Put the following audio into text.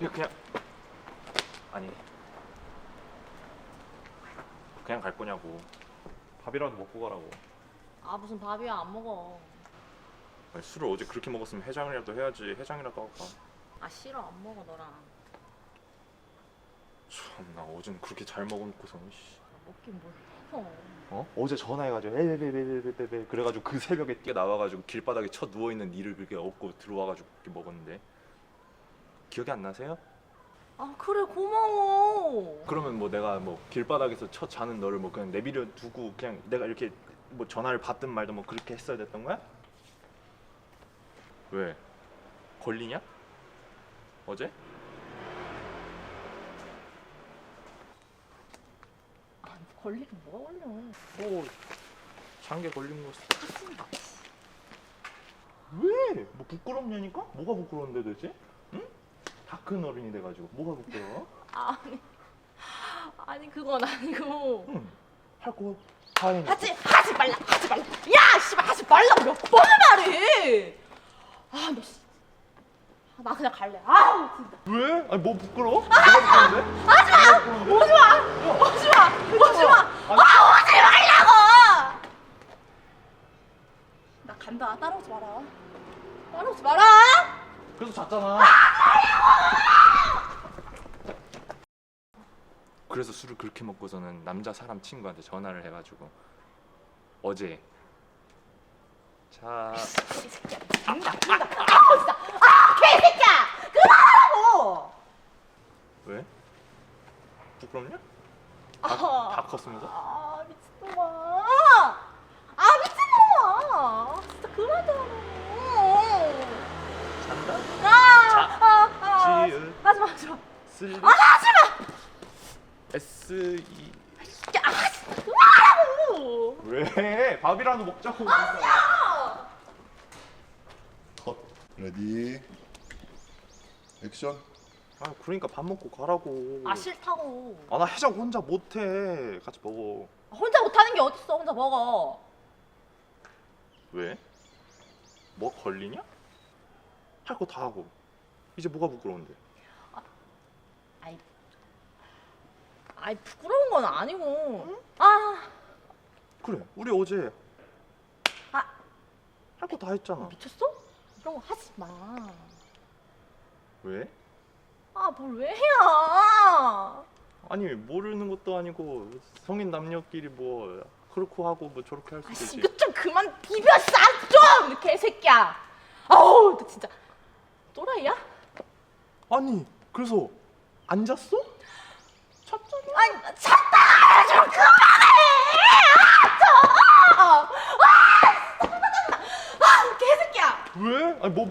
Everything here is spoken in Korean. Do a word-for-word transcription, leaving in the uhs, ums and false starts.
이거 그냥 아니 그냥 갈 거냐고. 밥이라도 먹고 가라고. 아 무슨 밥이야, 안 먹어. 아니, 술을 어제 그렇게 먹었으면 해장이라도 해야지. 해장이라도 할까. 아 싫어, 안 먹어 너랑. 참나 어제는 그렇게 잘 먹어놓고서 씨. 먹긴 뭘 먹어. 어? 어제 전화해가지고 에베베베베베베 그래가지고 그 새벽에 뛰어 나와가지고 길바닥에 쳐 누워있는 니를 그렇게 업고 들어와가지고 그렇게 먹었는데 기억이 안 나세요? 아 그래, 고마워. 그러면 뭐 내가 뭐 길바닥에서 쳐 자는 너를 뭐 그냥 내버려 두고 그냥 내가 이렇게 뭐 전화를 받든 말든 뭐 그렇게 했어야 됐던 거야? 왜? 걸리냐? 어제? 아 걸리긴 뭐가 걸려. 뭐 장기 걸린 거 왜? 뭐 부끄럽냐니까? 뭐가 부끄러운데 도대체? 응? 다 큰 어른이 돼가지고 뭐가 부끄러워? 아니 아니 그건 아니고. 응. 할 거 다 해놓고 하지 하지 말라, 하지 말라. 야 씨발, 하지 말라고 몇 번을 말해. 아너 씨. 아, 나 그냥 갈래. 아우 진짜. 왜? 아니 뭐 부끄러워? 뭐가 부끄러운데? 하지마! 오지마! 오지마! 오지마! 아 오지 말라고! 나 간다. 따라오지 마라. 따라오지 마라! 그래서 잤잖아. 그래서 술을 그렇게 먹고서는 남자 사람 친구한테 전화를 해가지고 어제 자 이 새끼야. 죽는다, 죽는다. 아 진짜. 아 개새끼야! 그만하라고! 왜? 부끄럽냐? 아, 다 컸으면서? 아 미친놈아. 아 미친놈아. 진짜 그만 좀 하라고. 잔다? 아, 아, 아, 지읒. 하지마, 하지마. 슬 아, 하지마. S E 야, 아, 그만하라고. 왜? 밥이라도 먹자고. 아, 컷. 레디. 액션. 아 그러니까 밥 먹고 가라고. 아 싫다고. 아 나 해장 혼자 못해. 같이 먹어. 혼자 못하는 게 어딨어? 혼자 먹어. 왜? 뭐 걸리냐? 할 거 다 하고 이제 뭐가 부끄러운데? 아이, 아이 부끄러운 건 아니고. 아, 그래 우리 어제 아 할 거 다 했잖아. 미쳤어? 이런 거 하지 마. 왜? 아, 뭘 왜 해야? 아니 모르는 것도 아니고 성인 남녀끼리 뭐 그렇고 하고 뭐 저렇게 할 수도 아씨, 있지. 이거 좀 그만 비벼 싸 좀, 개새끼야. 아우, 너 진짜 또라이야? 아니 그래서 안 잤어? 잤잖아. 아니 잤다 좀 그만해. 아, 좀. 아, 진짜 짜증나. 아, 개새끼야. 왜? 아니 뭐